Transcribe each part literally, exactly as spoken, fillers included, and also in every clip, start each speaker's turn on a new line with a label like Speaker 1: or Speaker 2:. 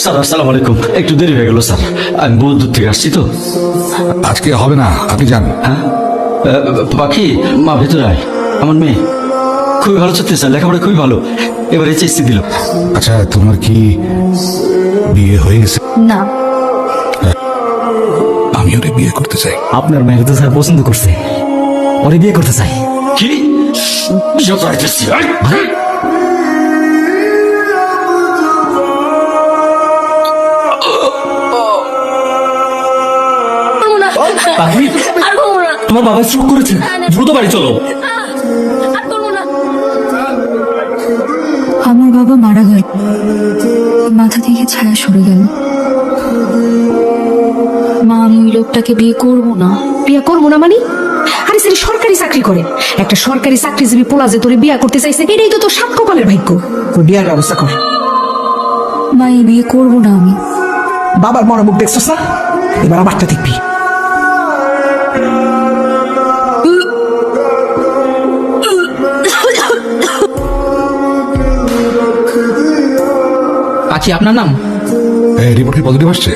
Speaker 1: Sir আসসালামু আলাইকুম। একটু দেরি হয়ে গেল স্যার, আমি বহু দূর থেকে আসছি তো।
Speaker 2: আজকে হবে না, আপনি যান।
Speaker 1: হ্যাঁ পাখি, মা ভেতরে আয়। আমার মেয়ে খুবই ভালো চলতে স্যার, লেখাপড়া খুবই ভালো, এবার এইচএসসি দিল।
Speaker 2: আচ্ছা, তোমার কি বিয়ে হয়ে গেছে?
Speaker 3: না।
Speaker 2: আমি ওরে বিয়ে করতে চাই।
Speaker 4: আপনার মেয়েকে তো স্যার পছন্দ করছে, ওরে বিয়ে করতে চাই।
Speaker 1: কি যত আইতেছি
Speaker 4: পাখি, তোমার বাবা স্ট্রোক করেছে, দ্রুত বাড়ি চলো।
Speaker 3: আমার বাবা মারা গেল, মাথা থেকে ছায়া সরে গেল। মা, আমি ওই লোকটাকে বিয়ে করবো না।
Speaker 5: বিয়া করবো না মানে? আরে সে সরকারি চাকরি করে, একটা সরকারি চাকরিজীবী পোলা যে তোরে বিয়া করতে চাইছে, এটাই তো তোর সাত কপালের ভাগ্য।
Speaker 6: তোর বিয়ার ব্যবস্থা কর।
Speaker 3: মা, এই বিয়ে করবো না আমি।
Speaker 6: বাবার মরা মুখ দেখছস না, এবার আমারটা দেখবি।
Speaker 7: পাখি, আপনার নাম?
Speaker 2: এই রিপোর্ট কি পজিটিভ আসছে?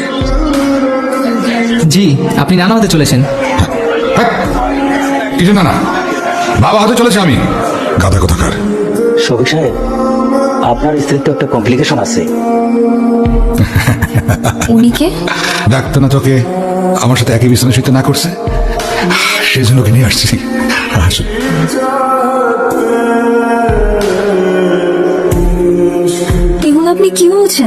Speaker 7: জি, আপনি নানা হতে চলেছেন।
Speaker 2: হ্যাঁ, কিছু না না, বাবা হতে চলেছে আমি। গাধা কোথাকার।
Speaker 4: শফিক সাহেব, আপনার স্ত্রীর তো একটা কমপ্লিকেশন আছে।
Speaker 3: উনি কে?
Speaker 2: ডাক্তার না তোকে আমার সাথে একই বিছানা শুতে না করছে, সেই জন্য ওকে নিয়ে আসছি। আসুন।
Speaker 3: এগুলো আপনি কি বলছেন?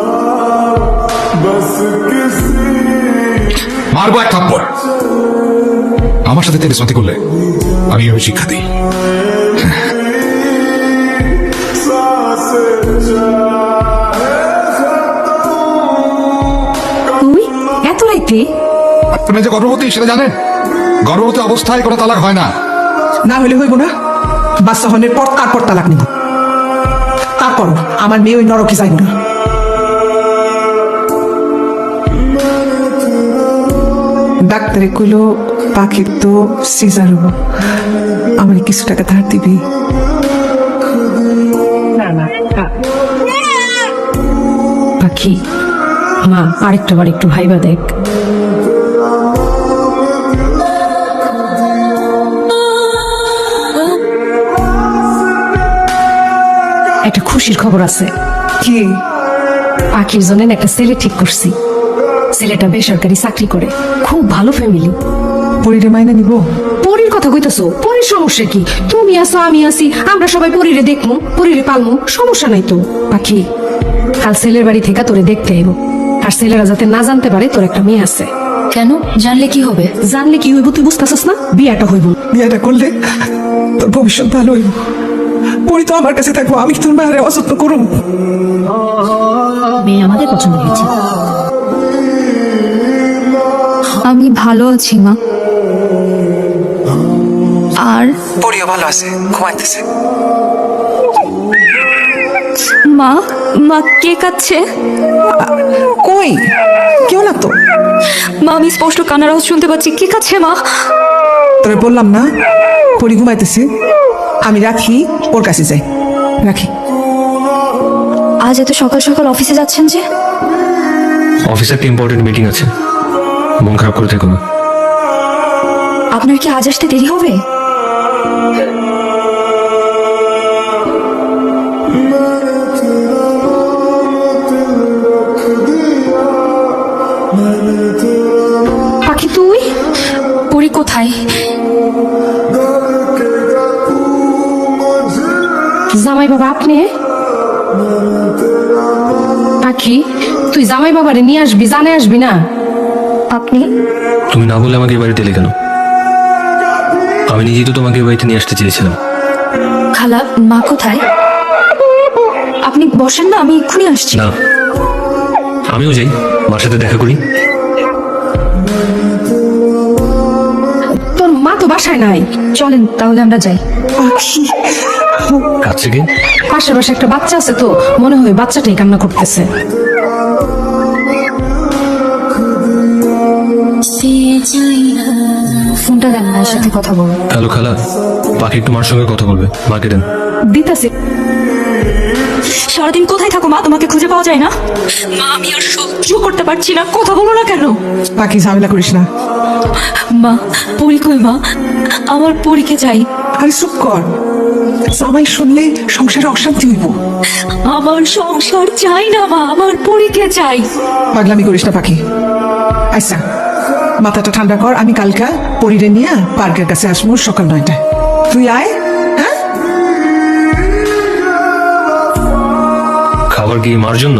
Speaker 2: মারবো এক থাপ্পড়। আমার সাথে তেরিস্মতি করলে আমি ওই শিক্ষা দিই।
Speaker 5: তুই এত রাইতে?
Speaker 2: আপনি যে গর্ভবতী সেটা জানেন? গর্ভবতী অবস্থায় কোনো তালাক হয় না।
Speaker 6: না হলে হইব না, বাচ্চা হনের পর তারপর তালাক নিব। তারপর আমার মেয়ে ওই নরকে যাইব না। ডাক্তারে কইল পাখির তো সিজার হবো, আমার কিছু টাকা ধার দিবি?
Speaker 5: পাখি, মা আরেকটা বার একটু ভাইবা দেখ। একটা খুশির খবর আছে।
Speaker 6: কি?
Speaker 5: পাখির জন্য একটা ছেলে ঠিক করছি। ছেলেটা বেসরকারি চাকরি করে, খুব ভালো ফ্যামিলি।
Speaker 6: পরিরে মাইনে নিব?
Speaker 5: পরীর কথা কইতেছো? পরীর সমস্যা কি? তুমি আছো, আমি আছি, আমরা সবাই পরীরে দেখবো, পরীরে পালমু, সমস্যা নাই তো। পাখি, কাল ছেলের বাড়ি থেকে তোরে দেখতে আইব, আর ছেলেরা যাতে না জানতে পারে তোর একটা মেয়ে আছে।
Speaker 3: কেন? জানলে কি হবে?
Speaker 5: জানলে কি হইব তুই বুঝতেছিস না? বিয়াটা হইব।
Speaker 6: বিয়েটা করলে তোর ভবিষ্যৎ ভালো হইব। পরি তো আমার কাছে থাকবো, আমি তোর মায়ের অযত্ন করুম।
Speaker 3: মেয়ে আমাদের পছন্দ হয়েছে। আমি ভালো আছি মা। আর
Speaker 6: পরিও ভালো আছে, ঘুমাইতেছে।
Speaker 3: মা, মা কে কাচ্ছে?
Speaker 6: কই? কেউ না তো।
Speaker 3: মা, আমি স্পষ্ট কান্নার আওয়াজ শুনতে পাচ্ছি। কে কাচ্ছে মা?
Speaker 6: তোরে বললাম না পরি ঘুমাইতেছে, আমি রাখি, ওর কাছে যাই। রাখি।
Speaker 3: আজ এত সকাল সকাল অফিসে যাচ্ছেন যে?
Speaker 8: অফিসে একটা ইম্পর্টেন্ট মিটিং আছে, মন খারাপ করে থেকো না।
Speaker 3: আপনার কি আজ আসতে দেরি হবে?
Speaker 5: পাখি, তুই?
Speaker 3: পরি কোথায়?
Speaker 5: জামাই বাবা আপনি? পাখি, তুই জামাই বাবারে নিয়ে আসবি, জানে আসবি না?
Speaker 3: আপনি?
Speaker 8: তুমি না বলে আমাকে এ বাড়িতে এলে কেন? আমি নিজেই তো তোমাকে এ বাড়িতে নিয়ে আসতে চেয়েছিলাম।
Speaker 3: খালা, মা কোথায়? আপনি বসেন না, আমি এক্ষুনি আসছি।
Speaker 8: না, আমিও যাই, মার সাথে দেখা করি।
Speaker 5: তোর মা তো বাসায় নাই।
Speaker 3: চলেন তাহলে আমরা যাই।
Speaker 6: পাখি,
Speaker 8: কাছে কি?
Speaker 5: পাশে পাশে একটা বাচ্চা আছে তো, মনে হয় বাচ্চাটাই কান্না করতেছে।
Speaker 3: ফোনটা দেন, মায়ের সাথে কথা বলবো।
Speaker 8: হ্যালো খালা, পাখি একটু মার সঙ্গে কথা বলবে, মাকে দেন।
Speaker 5: দিতাছে।
Speaker 3: সারাদিন কোথায় থাকো মা? তোমাকে খুঁজে পাওয়া যায় না মা। আমি আর সহ্য করতে পারছি না, কথা বলো না কেন?
Speaker 6: বাকি ঝামেলা করিস না।
Speaker 3: মা পরি কই মা? আমার পরীকে চাই।
Speaker 6: আরে চুপ কর, জামাই শুনলে সংসারে অশান্তি হইব।
Speaker 3: আমার সংসার চাই না মা, আমার পরীকে চাই।
Speaker 6: পাগলামি করিস না পাখি। আচ্ছা মাথাটা ঠান্ডা কর, আমি কালকা পরিরে নিয়ে পার্কের কাছে আসবো সকাল নয়টায়। তুই আয়। হ্যাঁ
Speaker 8: খাবার কি মার জন্য?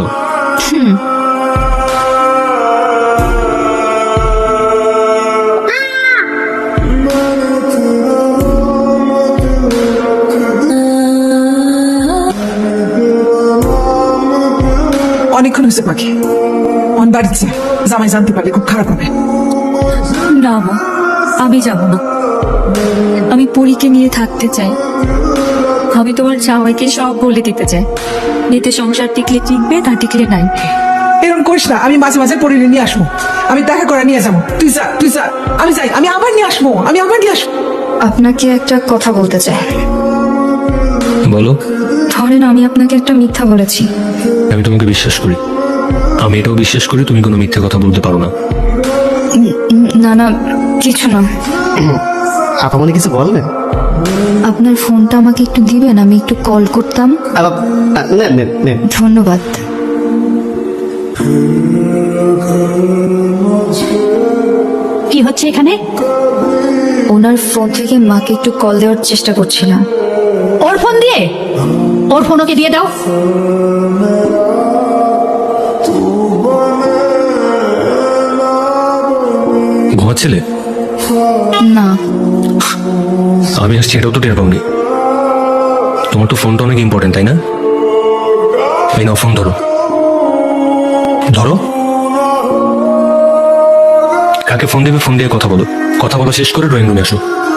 Speaker 6: অনেকক্ষণ হয়েছে পাখি, অন বাড়িতে জামাই জানতে পারলে খুব খারাপ হবে।
Speaker 3: না মা, আমি যাব না। আমি পরীকে নিয়ে থাকতে চাই। আমি তোমার জামাইকে সব বলে দিতে চাই। এতে সংসার টিকলে টিকবে, না টিকলে নাই।
Speaker 6: এরকম করিস না, আমি মাঝে মাঝে পরিরে নিয়ে আসবো। আমি দেখা করে নিয়ে যাবো। তুই যা, তুই যা, আমি যাই। আমি আবার নিয়ে আসবো, আমি আবার নিয়ে আসবো।
Speaker 3: আপনাকে একটা কথা বলতে চাই।
Speaker 8: বলো।
Speaker 3: ধরেন আমি আপনাকে একটা মিথ্যা বলেছি।
Speaker 8: আমি তোমাকে বিশ্বাস করি, আমি এটাও বিশ্বাস করি তুমি কোনো মিথ্যে কথা বলতে পারো না।
Speaker 3: না না, কিছু না।
Speaker 7: আপামনি কিছু বললেন?
Speaker 3: আপনার ফোনটা আমাকে একটু দিবেন, আমি একটু কল করতাম।
Speaker 7: নেন নেন নেন।
Speaker 3: ধন্যবাদ। কি হচ্ছে এখানে? ওনার ফোন থেকে মাকে একটু কল দেওয়ার চেষ্টা করছিলাম।
Speaker 5: ওর ফোন দিয়ে? ওর ফোন ওকে দিয়ে দাও।
Speaker 8: ঘুমাচ্ছিলে?
Speaker 3: না,
Speaker 8: আমি আসছি এটাও তো টের পাওনি। তোমার তো ফোনটা অনেক ইম্পর্টেন্ট, তাই না? এই নাও ফোন, ধরো ধরো। কাকে ফোন দেবে ফোন দিয়ে কথা বলো। কথা বলা শেষ করে ড্রয়িং রুমে আসো।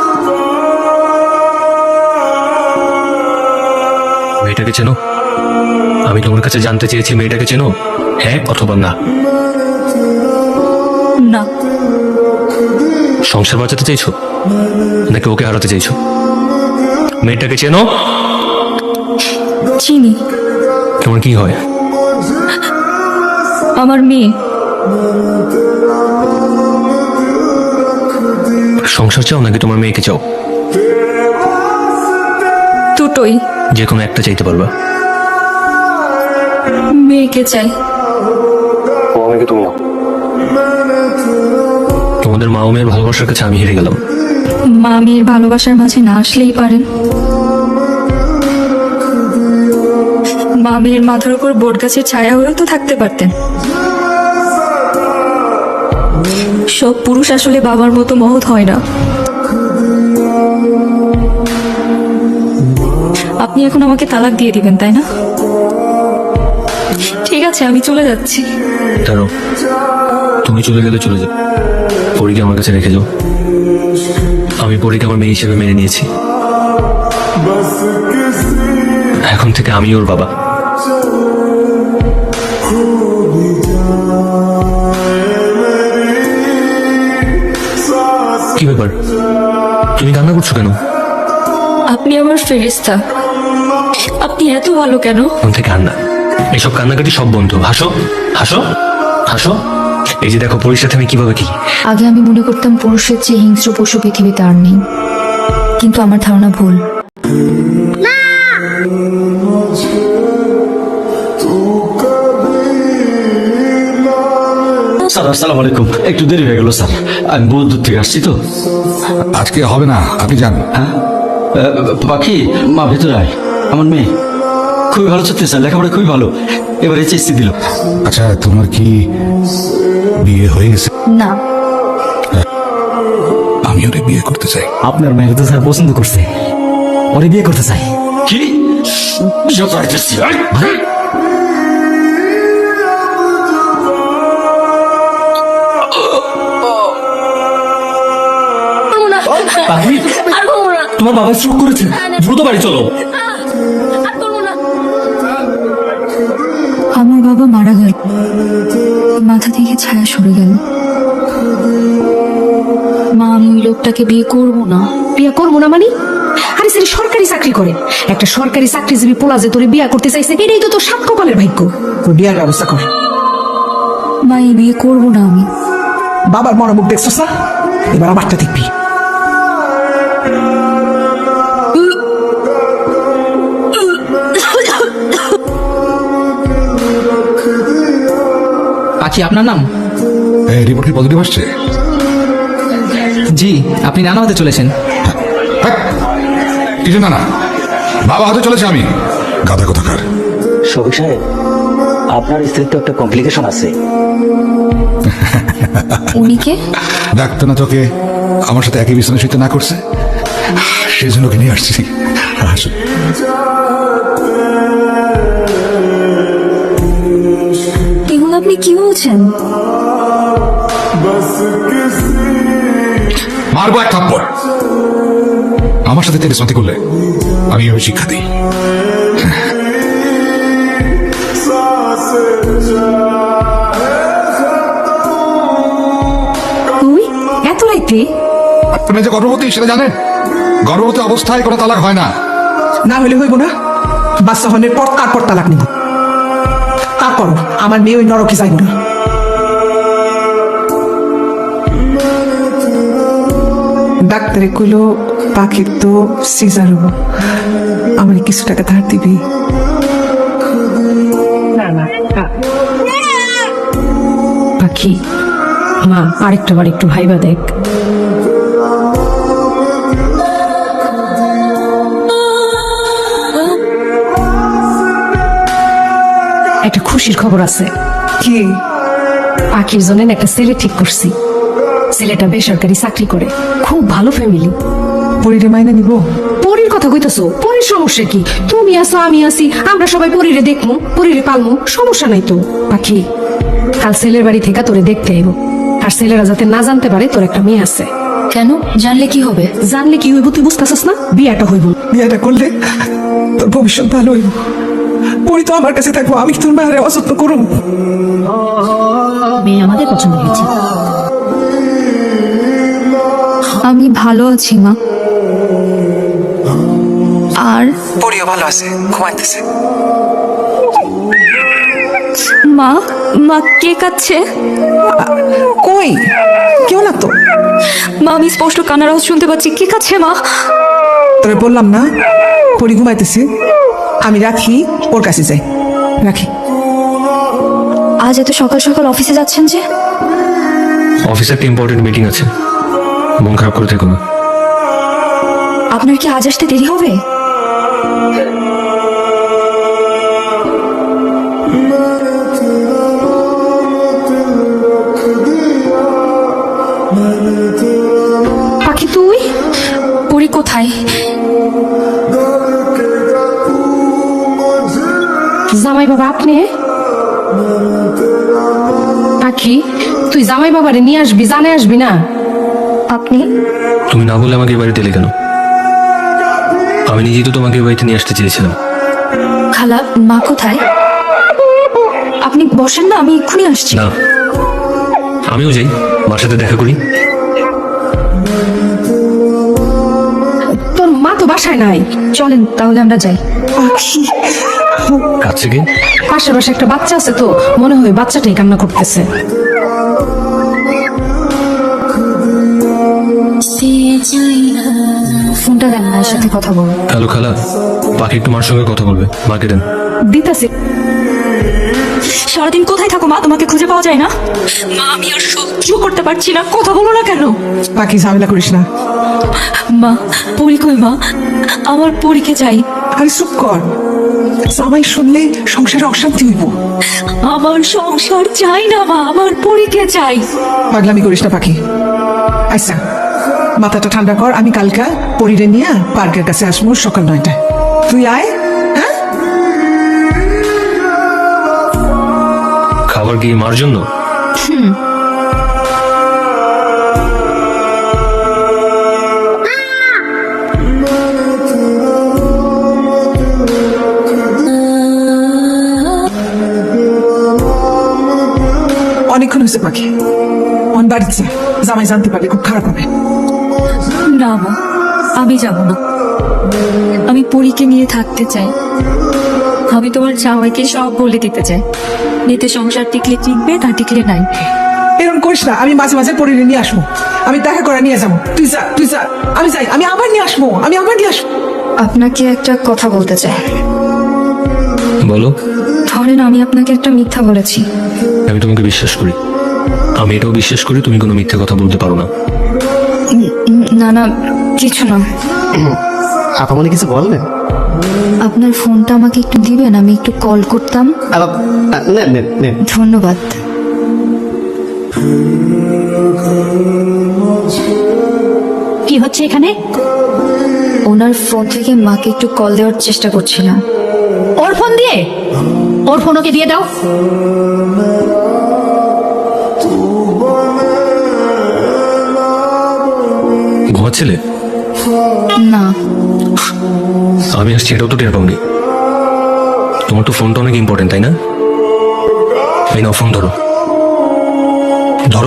Speaker 8: মেয়েটাকে চেনো? আমি তোমার কাছে জানতে চেয়েছি মেয়েটাকে চেনো, হ্যাঁ অথবা না?
Speaker 3: না।
Speaker 8: সংসার বাঁচাতে চাইছো নাকি ওকে হারাতে চাইছো? মেয়েটাকে চেনো?
Speaker 3: চিনি।
Speaker 8: তোমার কি হয়?
Speaker 3: আমার মেয়ে।
Speaker 8: সংসার চাও নাকি তোমার মেয়েকে চাও?
Speaker 3: দুটোই।
Speaker 8: যে কোনো একটা চাইতে পারবা।
Speaker 3: মেয়েকে চাই।
Speaker 8: আমাকে তুমি নাও। তোমাদের মা ও মেয়ের ভালোবাসার কাছে আমি হেরে গেলাম।
Speaker 3: মা মেয়ের ভালোবাসার মাঝে না আসলেই পারেন। মা মেয়ের মাথার উপর বট গাছের ছায়া হয়েও তো থাকতে পারতেন। সব পুরুষ আসলে বাবার মতো মহৎ হয় না। আপনি এখন আমাকে তালাক দিয়ে দিবেন, তাই না? ঠিক আছে, আমি চলে যাচ্ছি।
Speaker 8: দাঁড়াও, তুমি চলে গেলে চলে যাও, পরীকে আমার কাছে রেখে যাও। আমি পরীকে আমার মেয়ে হিসেবে মেনে নিয়েছি। এখন থেকে আমি ওর বাবা। কি ব্যাপার, তুমি কান্না করছো কেন?
Speaker 3: আপনি আমার ফেরেশতা। আপনি এত ভালো কেন?
Speaker 8: এখন থেকে কান্না, এইসব কান্নাকাটি সব বন্ধ। হাসো হাসো হাসো। এই যে দেখো পরীর সাথে আমি কিভাবে কি।
Speaker 3: আগে আমি মনে করতাম পুরুষের চেয়ে হিংস্র পশু পৃথিবীতে আর নেই, কিন্তু আমার ধারণা ভুল।
Speaker 1: স্যার আসসালামু আলাইকুম। একটু দেরি হয়ে গেল স্যার, আমি বহু দূর থেকে আসছি তো।
Speaker 2: আজকে হবে না, আপনি যান।
Speaker 1: হ্যাঁ আহ, পাখি, মা ভেতরে আয়। আমার মেয়ে খুবই ভালো ছাত্রী স্যার, লেখাপড়া খুবই ভালো, এবার এইচএসসি দিল।
Speaker 2: আচ্ছা তোমার কি বিয়ে হয়ে গেছে?
Speaker 3: না।
Speaker 2: আমি ওরে বিয়ে করতে চাই।
Speaker 7: আপনার মেয়েকে তো স্যার পছন্দ করছে, ওরে বিয়ে করতে চাই।
Speaker 1: কি বিয়ে করাইতেছি? আয়!
Speaker 4: পাখি, তোমার বাবা স্ট্রোক করেছে, দ্রুত বাড়ি চলো।
Speaker 3: আমার বাবা মারা গেল, মাথা থেকে ছায়া সরে গেল। মা, আমি ওই লোকটাকে বিয়ে করবো না।
Speaker 5: বিয়ে করবো না মানে? সারি সারি সরকারি চাকরি করে একটা সরকারি চাকরিজীবী পোলা যে তোরে বিয়া করতে চাইছে এটাই তো তোর সাত কপালের ভাগ্য।
Speaker 6: তোর বিয়ার ব্যবস্থা কর।
Speaker 3: মা এই বিয়ে করবো না আমি।
Speaker 6: বাবার মনোমুখ দেখছস না, এবার আমারটা দেখবি।
Speaker 4: পাখি আপনার নাম?
Speaker 2: এই রিপোর্ট কি পজিটিভ আসছে?
Speaker 4: জি, আপনি নানা হতে চলেছেন।
Speaker 2: হ্যাঁ, কিছু না না, বাবা হতে চলেছে আমি। গাধা কোথাকার।
Speaker 7: শফিক সাহেব, আপনার স্ত্রীর তো একটা কমপ্লিকেশন আছে।
Speaker 3: উনি কে?
Speaker 2: ডাক্তার না তোকে আমার সাথে একই বিছানায় শুতে না করছে, সেই জন্য ওকে নিয়ে আসছি। আসো।
Speaker 3: এগুলো আপনি কি বলছেন?
Speaker 2: মারবো এক থাপ্পড়। আমার সাথে তেরে সন্তি করলে আমি এভাবে শিক্ষা দিই।
Speaker 5: তুই এত রাইতে?
Speaker 2: আপনি যে গর্ভবতী সেটা জানেন? গর্ভবতী অবস্থায় কোনো তালাক হয় না।
Speaker 6: না হলে হইব না, বাচ্চা হনের পর তারপর তালাক নিব। তারপর আমার মেয়ে ওই নরকে যাইব না। ডাক্তারে কইলো পাখির তো সিজার হবো, আমার কিছু টাকা ধার দিবি? না না,
Speaker 5: পাখি মা আরেকটা বার একটু ভাইবা দেখ। একটা খুশির খবর আছে।
Speaker 6: কি?
Speaker 5: পাখির জন্য না একটা ছেলে ঠিক করছি। ছেলেটা বেসরকারি চাকরি করে, খুব ভালো ফ্যামিলি।
Speaker 6: পরিরে মাইনা নিব?
Speaker 5: পরীর কথা কইতাছো? পরীর সমস্যা কি? তুমি আছো, আমি আছি, আমরা সবাই পরীরে দেখমু, পরীরে পালমু, সমস্যা নাই তো। পাখি কাল ছেলের বাড়ি থেকে তোরে দেখতে আইব, আর ছেলেরা যাতে না জানতে পারে তোর একটা মেয়ে আছে।
Speaker 3: কেন? জানলে কি হবে?
Speaker 5: জানলে কি হইব তুই বুঝতেছস না? বিয়াটা হইব।
Speaker 6: বিয়েটা করলে তোর ভবিষ্যৎ ভালো হইব। পরি তো আমার কাছে থাকবো, আমি কি তোর মায়ের অযত্ন করুম?
Speaker 5: মেয়ে আমাদের পছন্দ হয়েছে।
Speaker 3: আমি ভালো আছি মা। আর
Speaker 6: পরিও ভালো আছে, ঘুমাইতেছে।
Speaker 3: মা, মা কে কাচ্ছে?
Speaker 6: কই কেউ না তো।
Speaker 3: মা আমি স্পষ্ট কান্নার আওয়াজ শুনতে পাচ্ছি। কে কাচ্ছে মা?
Speaker 6: তোরে বললাম না পরি ঘুমাইতেছে, আমি রাখি, ওর কাছে যাই। রাখি।
Speaker 3: আজ এত সকাল সকাল অফিসে যাচ্ছেন যে?
Speaker 8: অফিসে একটা ইম্পর্টেন্ট মিটিং আছে, মন খারাপ করে থেকো না।
Speaker 3: আপনার কি আজ আসতে দেরি হবে?
Speaker 5: পাখি তুই?
Speaker 3: পরি কোথায়?
Speaker 5: জামাই বাবা আপনি? পাখি তুই জামাই বাবারে নিয়ে আসবি, জানে আসবি না?
Speaker 3: আপনি?
Speaker 8: তুমি না বলে আমাকে এই বাড়িতে এলে কেন? আমি নিজেই তো তোমাকে এই বাড়িতে নিয়ে আসতে চেয়েছিলাম।
Speaker 3: খালা, মা কোথায়? আপনি বসেন না, আমি এক্ষুনি আসছি।
Speaker 8: না, আমিও যাই, মার সাথে দেখা করি।
Speaker 5: তোর মা তো বাসায় নাই।
Speaker 3: চলেন তাহলে আমরা যাই।
Speaker 6: পাখি
Speaker 8: কাছে গিয়ে
Speaker 5: পাশে পাশে একটা বাচ্চা আছে তো, মনে হয় বাচ্চাটাই কান্না করতেছে।
Speaker 3: ফোনটা দেন, মায়ের সাথে কথা বলো।
Speaker 8: হ্যালো খালা, পাখি একটু মার সঙ্গে কথা বলবে, মাকে দেন।
Speaker 5: দিতাছি।
Speaker 3: সারাদিন কোথায় থাকো মা? তোমাকে খুঁজে পাওয়া যায় না? মা আমি আর সহ্য করতে পারছি না, কথা বলো না কেন?
Speaker 6: পাখি ঝামেলা করিস না।
Speaker 3: মা পরি কই মা? আমার পরীকে চাই।
Speaker 6: আরে চুপ কর, জামাই শুনলে সংসারে অশান্তি হইব।
Speaker 3: আমার সংসার চাই না মা, আমার পরীকে চাই।
Speaker 6: পাগলামি করিস না পাখি। আচ্ছা মাথাটা ঠান্ডা কর, আমি কালকা পরিরে নিয়ে পার্কের কাছে আসবো সকাল নয়টায়। তুই আয়। হ্যাঁ
Speaker 8: খাবার কি মার জন্য?
Speaker 6: অনেকক্ষণ হয়েছে পাখি, অন বাড়িতে জামাই জানতে পারলে খুব খারাপ হবে।
Speaker 3: না মা, আমি যাব না। আমি পরীকে নিয়ে থাকতে চাই। আমি তোমার জামাইকে সব বলে দিতে চাই। এতে সংসার টিকলে টিকবে, না টিকলে নাই।
Speaker 6: এরকম করিস না, আমি মাঝে মাঝে পরিরে নিয়ে আসবো, আমি দেখা করে নিয়ে যাবো। তুই যা, তুই যা, আমি যাই, আমি আবার নিয়ে আসবো, আমি আবার নিয়ে আসবো।
Speaker 3: আপনাকে একটা কথা বলতে চাই।
Speaker 8: বলো।
Speaker 3: ধরেন আমি আপনাকে একটা মিথ্যা বলেছি।
Speaker 8: আমি তোমাকে বিশ্বাস করি, আমি এটাও বিশ্বাস করি তুমি কোনো মিথ্যে কথা বলতে পারো না।
Speaker 3: উম, না না, কিছু না।
Speaker 7: আপা মনে কিছু বলবেন?
Speaker 3: আপনার ফোনটা আমাকে একটু দিবেন, আমি একটু কল করতাম।
Speaker 7: আপা নেন নেন নেন।
Speaker 3: ধন্যবাদ।
Speaker 5: কি হচ্ছে এখানে?
Speaker 3: ওনার ফোন থেকে মাকে একটু কল দেওয়ার চেষ্টা করছিলাম।
Speaker 5: ওর ফোন দিয়ে? ওর ফোন ওকে দিয়ে দাও।
Speaker 8: ঘুমাচ্ছিলে?
Speaker 3: না,
Speaker 8: আমি আসছি এটাও তো টের পাওনি। তোমার তো ফোনটা অনেক ইম্পর্টেন্ট, তাই না? এই নাও ফোন ধরো, ধরো।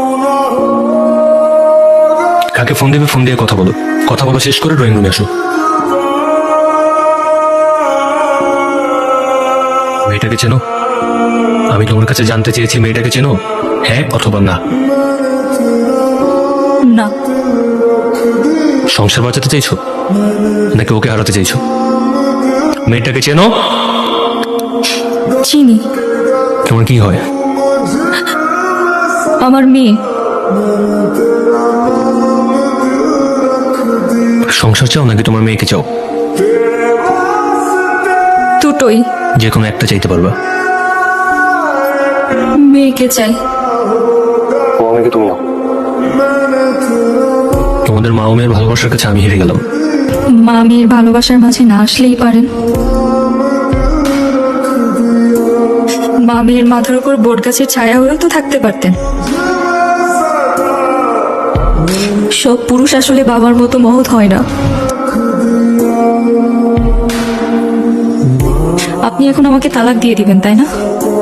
Speaker 8: কাকে ফোন দেবে ফোন দিয়ে কথা বলো, কথা বলা শেষ করে ড্রয়িং রুমে আসো। মেয়েটাকে চেনো? আমি তোমার কাছে জানতে চেয়েছি মেয়েটাকে চেনো, হ্যাঁ অথবা না?
Speaker 3: না।
Speaker 8: সংসার বাঁচাতে চাইছো নাকি ওকে হারাতে চাইছো? মেয়েটাকে চেনো?
Speaker 3: চিনি।
Speaker 8: তোমার কি হয়?
Speaker 3: আমার মেয়ে।
Speaker 8: সংসার চাও নাকি তোমার মেয়েকে চাও?
Speaker 3: দুটোই।
Speaker 8: যে কোনো একটা চাইতে পারবা।
Speaker 3: মেয়েকে চাই।
Speaker 8: ও আমাকে তুমি নাও। তোমাদের মা ও মেয়ের ভালোবাসার কাছে আমি হেরে গেলাম।
Speaker 3: মা মেয়ের ভালোবাসার মাঝে না আসলেই পারেন। মা মেয়ের মাথার উপর বট গাছের ছায়া হয়েও তো থাকতে পারতেন। সব পুরুষ আসলে বাবার মতো মহৎ হয় না। আপনি এখন আমাকে তালাক দিয়ে দিবেন, তাই না?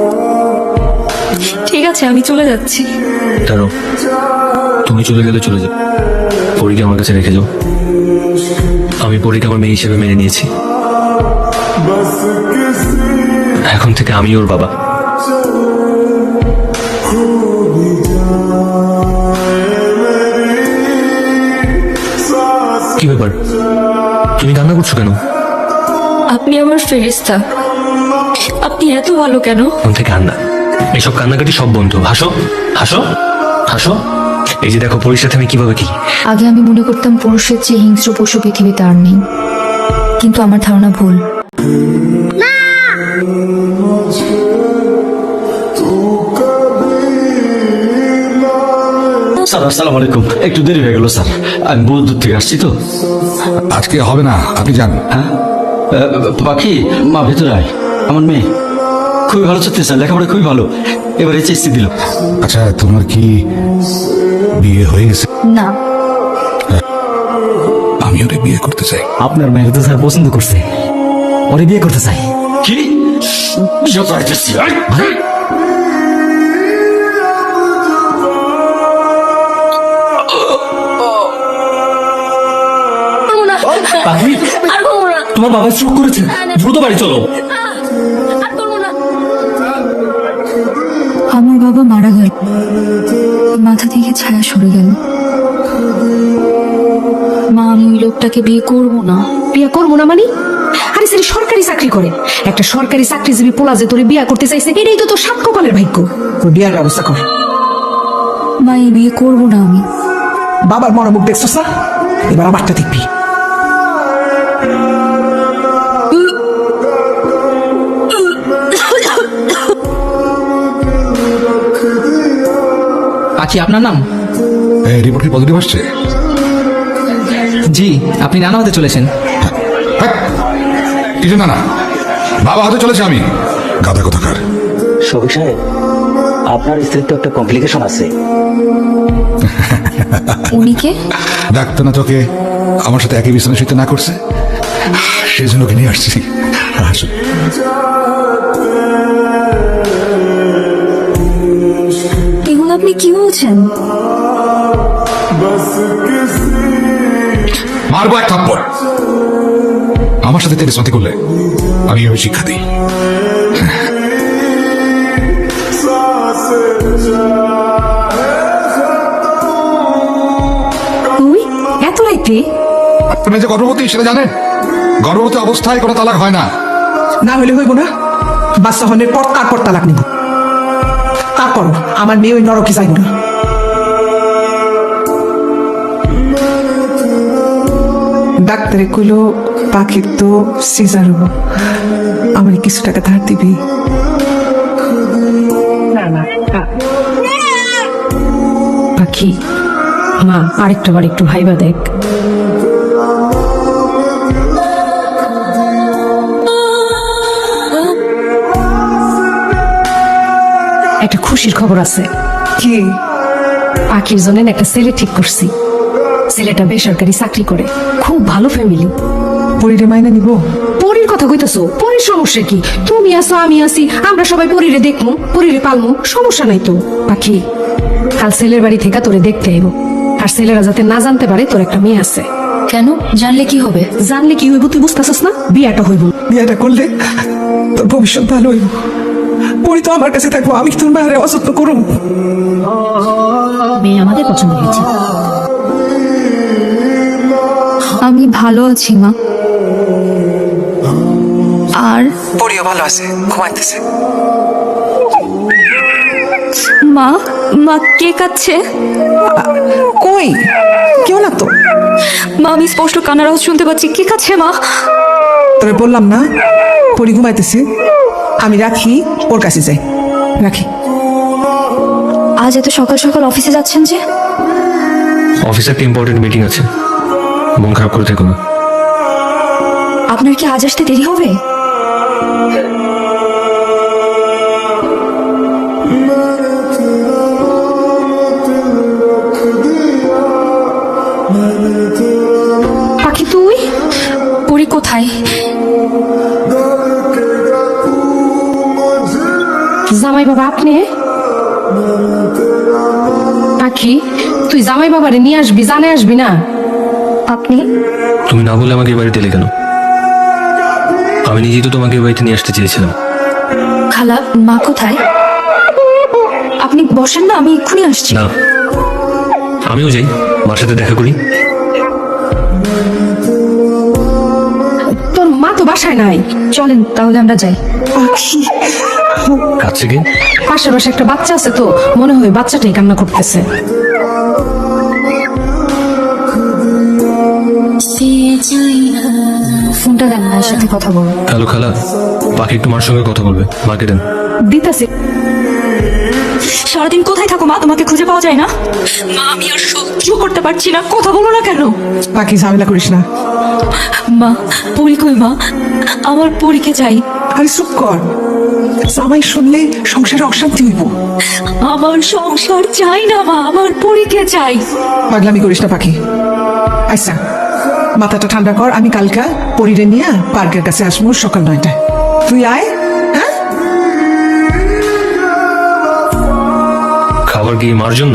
Speaker 3: ঠিক আছে, আমি চলে যাচ্ছি।
Speaker 8: দাঁড়াও, তুমি চলে গেলে চলে যাও, পরীকে আমার কাছে রেখে যাও। আমি পরীকে আমার মেয়ে হিসেবে মেনে নিয়েছি। এখন থেকে আমি ওর বাবা। কি ব্যাপার, তুমি কান্না করছো কেন?
Speaker 3: আপনি আমার ফেরেশতা। আপনি এত ভালো কেন?
Speaker 8: মন থেকে কান্না, এসব কান্নাকাটি সব বন্ধু। হাসো হাসো হাসো। এই যে দেখো পরীর সাথে আমি কিভাবে কি।
Speaker 3: আগে আমি মনে করতাম পুরুষের চেয়ে হিংস্র পশু পৃথিবীতে আর নেই, কিন্তু আমার ধারণা ভুল।
Speaker 1: স্যার আসসালামু আলাইকুম, একটু দেরি হয়ে গেল স্যার, আমি বহু দূর থেকে আসছি তো।
Speaker 2: আজকে হবে না, আপনি যান।
Speaker 1: হ্যাঁ আহ, পাখি, মা ভেতরে আয়। আমার মেয়ে খুবই ভালো ছাত্রী স্যার, লেখাপড়া খুবই ভালো, এবার এইচএসসি দিল।
Speaker 2: আচ্ছা, তোমার কি বিয়ে হয়ে গেছে?
Speaker 3: না।
Speaker 2: আমি ওরে বিয়ে করতে চাই।
Speaker 7: আপনার মেয়েকে তো স্যার পছন্দ করছে, ওরে বিয়ে করতে চাই।
Speaker 1: কি বিয়ে চাইতেছি? আয়, আয়।
Speaker 4: পাখি, তোমার বাবা স্ট্রোক করেছে, দ্রুত বাড়ি চলো।
Speaker 3: আমার বাবা মারা গেল, মাথা থেকে ছায়া সরে গেল। মা, আমি ওই লোকটাকে বিয়ে করবো না।
Speaker 5: বিয়ে করবো না মানে? আরে সে সরকারি চাকরি করে, একটা সরকারি চাকরিজীবী পোলা যে তোরে বিয়ে করতে চাইছে, এটাই তো তোর সাত কপালের ভাগ্য।
Speaker 6: তোর বিয়ার ব্যবস্থা কর।
Speaker 3: মা, এই বিয়ে করবো না আমি।
Speaker 6: বাবার মনোমুখ দেখছস না, এবার আমারটা দেখবি।
Speaker 4: পাখি, আপনার নাম?
Speaker 2: এই রিপোর্ট কি পজিটিভ আসছে?
Speaker 4: জি, আপনি নানা হতে চলেছেন।
Speaker 2: হ্যাঁ, কিছু না না, বাবা হতে চলেছে আমি। গাদা কোথাকার।
Speaker 7: শফিক সাহেব, আপনার স্ত্রীর তো একটা কমপ্লিকেশন আছে।
Speaker 3: উনি কে?
Speaker 2: ডাক্তার না তোকে আমার সাথে একই বিছানায় শুতে না করছে, সেই জন্য ওকে নিয়ে আসছি। আসুন।
Speaker 3: এগুলো আপনি কি বলছেন?
Speaker 2: মারবো এক থাপ্পড়। আমার সাথে তেরেসমাতি করলে আমি এভাবে শিক্ষা দিই।
Speaker 5: তুই এত রাইতে
Speaker 2: আপনি যে গর্ভবতী সেটা জানেন? গর্ভবতী অবস্থায় কোনো তালাক হয় না।
Speaker 6: না হলে হইব না, বাচ্চা হনের পর তারপর তালাক নিব। তারপর আমার মেয়ে ওই নরকে যাইব না। ডাক্তারে কইলো পাখির তো সিজার হবো, আমার কিছু টাকা ধার দিবি?
Speaker 5: পাখি, মা আরেকটা বার একটু ভাইবা দেখ। একটা খুশির খবর আছে।
Speaker 6: কি?
Speaker 5: পাখির জন্য না একটা ছেলে ঠিক করছি। ছেলেটা বেসরকারি চাকরি করে, খুব ভালো ফ্যামিলি।
Speaker 6: পরিরে মাইনা নিব?
Speaker 5: পরীর কথা কইতাছো? পরীর সমস্যা কি? তুমি আছো, আমি আছি, আমরা সবাই পরীরে দেখমু, পরীরে পালমু, সমস্যা নাই তো। পাখি, কাল ছেলের বাড়ি থেকে তোরে দেখতে আইব, আর ছেলেরা যাতে না জানতে পারে তোর একটা মেয়ে আছে।
Speaker 3: কেন? জানলে কি হবে?
Speaker 5: জানলে কি হইব তুই বুঝতেছস না? বিয়াটা হইব।
Speaker 6: বিয়েটা করলে তোর ভবিষ্যৎ ভালো হইব। পরি তো আমার কাছে থাকবো, আমি কি তোর মায়ের অযত্ন করুম?
Speaker 5: মেয়ে আমাদের পছন্দ হয়েছে।
Speaker 3: আমি ভালো আছি মা। আর
Speaker 6: পরিও ভালো আছে, ঘুমাইতেছে।
Speaker 3: মা, মা কে কাচ্ছে?
Speaker 6: কই? কেউ না তো।
Speaker 3: মা, আমি স্পষ্ট কান্নার আওয়াজ শুনতে পাচ্ছি। কে কাচ্ছে মা?
Speaker 6: তোরে বললাম না পরি ঘুমাইতেছে, আমি রাখি, ওর কাছে যাই। রাখি।
Speaker 3: আজ এত সকাল সকাল অফিসে যাচ্ছেন যে?
Speaker 8: অফিসে একটা ইম্পর্টেন্ট মিটিং আছে, মন খারাপ করে থেকো না।
Speaker 3: আপনার কি আজ আসতে দেরি হবে?
Speaker 5: পাখি তুই?
Speaker 3: পরি কোথায়?
Speaker 5: জামাই বাবা আপনি? পাখি, তুই জামাই বাবারে নিয়ে আসবি, জানে আসবি না?
Speaker 3: আপনি?
Speaker 8: তুমি না বলে আমাকে এই বাড়িতে এলে কেন? আমি নিজেই তো তোমাকে এই বাড়িতে নিয়ে আসতে চেয়েছিলাম।
Speaker 3: খালা, মা কোথায়? আপনি বসেন না, আমি এক্ষুনি আসছি।
Speaker 8: না, আমিও যাই, মার সাথে দেখা করি।
Speaker 5: তোর মা তো বাসায় নাই।
Speaker 3: চলেন তাহলে আমরা যাই।
Speaker 6: পাখি,
Speaker 8: কাছে কি?
Speaker 5: পাশে পাশে একটা বাচ্চা আছে তো, মনে হয় বাচ্চাটাই কান্না করতেছে।
Speaker 3: ফোনটা দেন, মায়ের সাথে কথা বলবো।
Speaker 8: হ্যালো খালা, বাকি একটু মার সঙ্গে কথা বলবে, মাকে দেন।
Speaker 5: দিতাছে।
Speaker 3: সারাদিন কোথায় থাকো মা? তোমাকে খুঁজে পাওয়া যায় না? মা, আমি আর সহ্য করতে পারছি না, কথা বলো না কেন?
Speaker 6: পাখি ঝামেলা করিস না।
Speaker 3: মা, পরি কই মা? আমার পরীকে চাই।
Speaker 6: আরে চুপ কর, জামাই শুনলে সংসারে অশান্তি হইব।
Speaker 3: আমার সংসার চাই না মা, আমার পরীকে চাই।
Speaker 6: পাগলামি করিস না পাখি। আচ্ছা, মাথাটা ঠান্ডা কর, আমি কালকা পরিরে নিয়ে পার্কের কাছে আসবো সকাল নয়টায়। তুই আয়। হ্যাঁ,
Speaker 8: খাবার কি মার জন্য?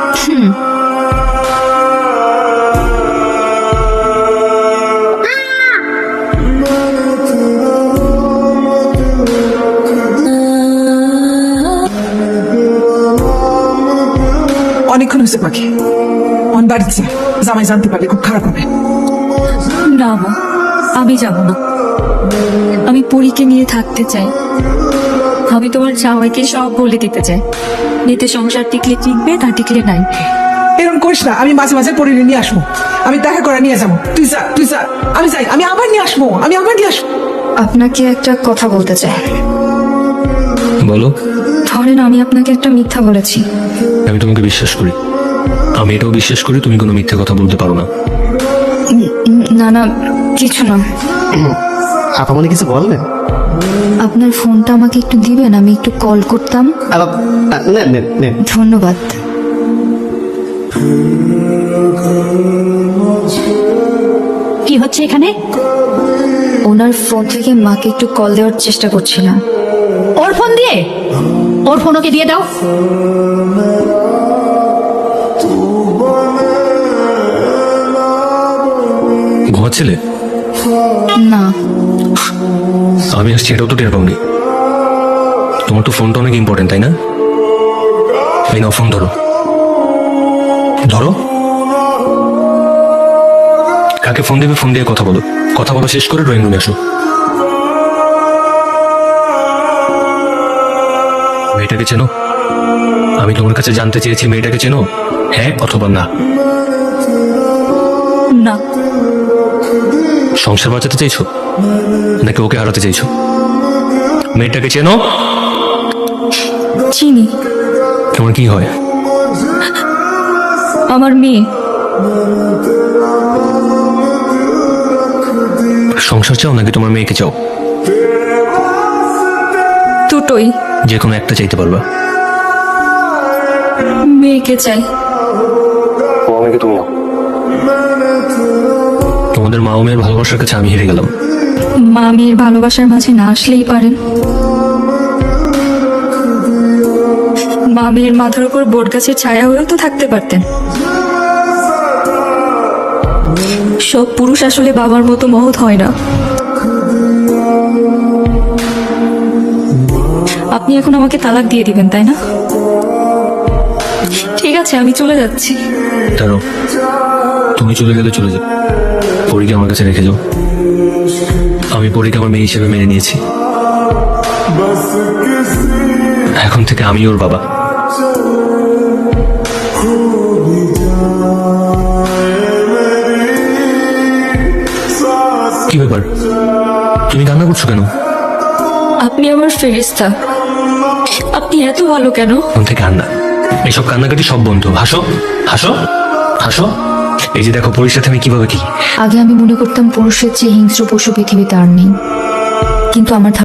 Speaker 6: অনেকক্ষণ হয়েছে পাখি, অন বাড়িতে যা। জামাই জানতে পারলে খুব খারাপ হবে।
Speaker 3: না মা, আমি যাব না। আমি পরীকে নিয়ে থাকতে চাই। আমি তোমার জামাইকে সব বলে দিতে চাই। নিতে সংসার টিকলে টিকবে, না টিকলে নাই।
Speaker 6: এরকম করিস না, আমি মাঝে মাঝে পরিরে নিয়ে আসবো, আমি দেখা করে নিয়ে যাবো। তুই যা, তুই যা, আমি যাই, আমি আবার নিয়ে আসবো, আমি আবার নিয়ে আসবো।
Speaker 3: আপনাকে একটা কথা বলতে চাই।
Speaker 8: বলো।
Speaker 3: ধরেন আমি আপনাকে একটা মিথ্যা বলেছি।
Speaker 8: আমি তোমাকে বিশ্বাস করি, আমি এটাও বিশ্বাস করি তুমি কোনো মিথ্যে কথা বলতে পারো না।
Speaker 3: উম, না না, কিছু না।
Speaker 7: আপা মনে কিছু বললেন?
Speaker 3: আপনার ফোনটা আমাকে একটু দিবেন, আমি একটু কল করতাম।
Speaker 7: নেন নেন নেন।
Speaker 3: ধন্যবাদ।
Speaker 5: কি হচ্ছে এখানে?
Speaker 3: ওনার ফোন থেকে মাকে একটু কল দেওয়ার চেষ্টা করছিলাম।
Speaker 5: ওর ফোন দিয়ে? ওর ফোন ওকে দিয়ে দাও।
Speaker 8: ঘুমাচ্ছিলে?
Speaker 3: না
Speaker 8: আমি আসছি এটাও তো টের পাওনি। তোমার তো ফোনটা অনেক ইম্পর্টেন্ট তাই না? এই নাও ফোন ধরো ধরো। কাকে ফোন দেবে ফোন দিয়ে কথা বলো, কথা বলা শেষ করে ড্রয়িং রুমে আসো। মেয়েটাকে চেনো? আমি তোমার কাছে জানতে চেয়েছি মেয়েটাকে চেনো, হ্যাঁ অথবা না?
Speaker 3: না
Speaker 8: সংসার বাঁচাতে চাইছো নাকি ওকে হারাতে চাইছো? মেয়েটাকে চেনো?
Speaker 3: চিনি,
Speaker 8: তোমার কি হয়?
Speaker 3: আমার মেয়ে।
Speaker 8: সংসার চাও নাকি তোমার মেয়েকে চাও?
Speaker 3: দুটোই।
Speaker 8: যে কোনো একটা চাইতে পারবা।
Speaker 3: মেয়েকে চাই।
Speaker 8: ও আমাকে তুমি নাও। তোমাদের মা ও মেয়ের ভালোবাসার কাছে আমি হেরে গেলাম।
Speaker 3: মা মেয়ের ভালোবাসার মাঝে না আসলেই পারেন। মা মেয়ের মাথার উপর বট গাছের ছায়া হয়েও তো থাকতে পারতেন। সব পুরুষ আসলে বাবার মতো মহৎ হয় না। আপনি এখন আমাকে তালাক দিয়ে দিবেন তাই না? ঠিক আছে, আমি চলে যাচ্ছি।
Speaker 8: তারও তুমি চলে গেলে চলে যাও, পরীকে আমার কাছে রেখে যাও। আমি পরীকে আমার মেয়ে হিসেবে মেনে নিয়েছি। এখন থেকে আমি ওর বাবা। কি ব্যাপার, তুমি কান্না করছো কেন?
Speaker 3: আপনি আমার ফেরেশতা। আপনি এত ভালো কেন?
Speaker 8: এখন থেকে কান্না, এইসব কান্নাকাটি সব বন্ধু। হাসো হাসো হাসো। এই যে দেখো পরীর সাথে আমি কিভাবে কি।
Speaker 3: আগে আমি মনে করতাম পুরুষের চেয়ে হিংস্র পশু পৃথিবীতে আর নেই, কিন্তু আমার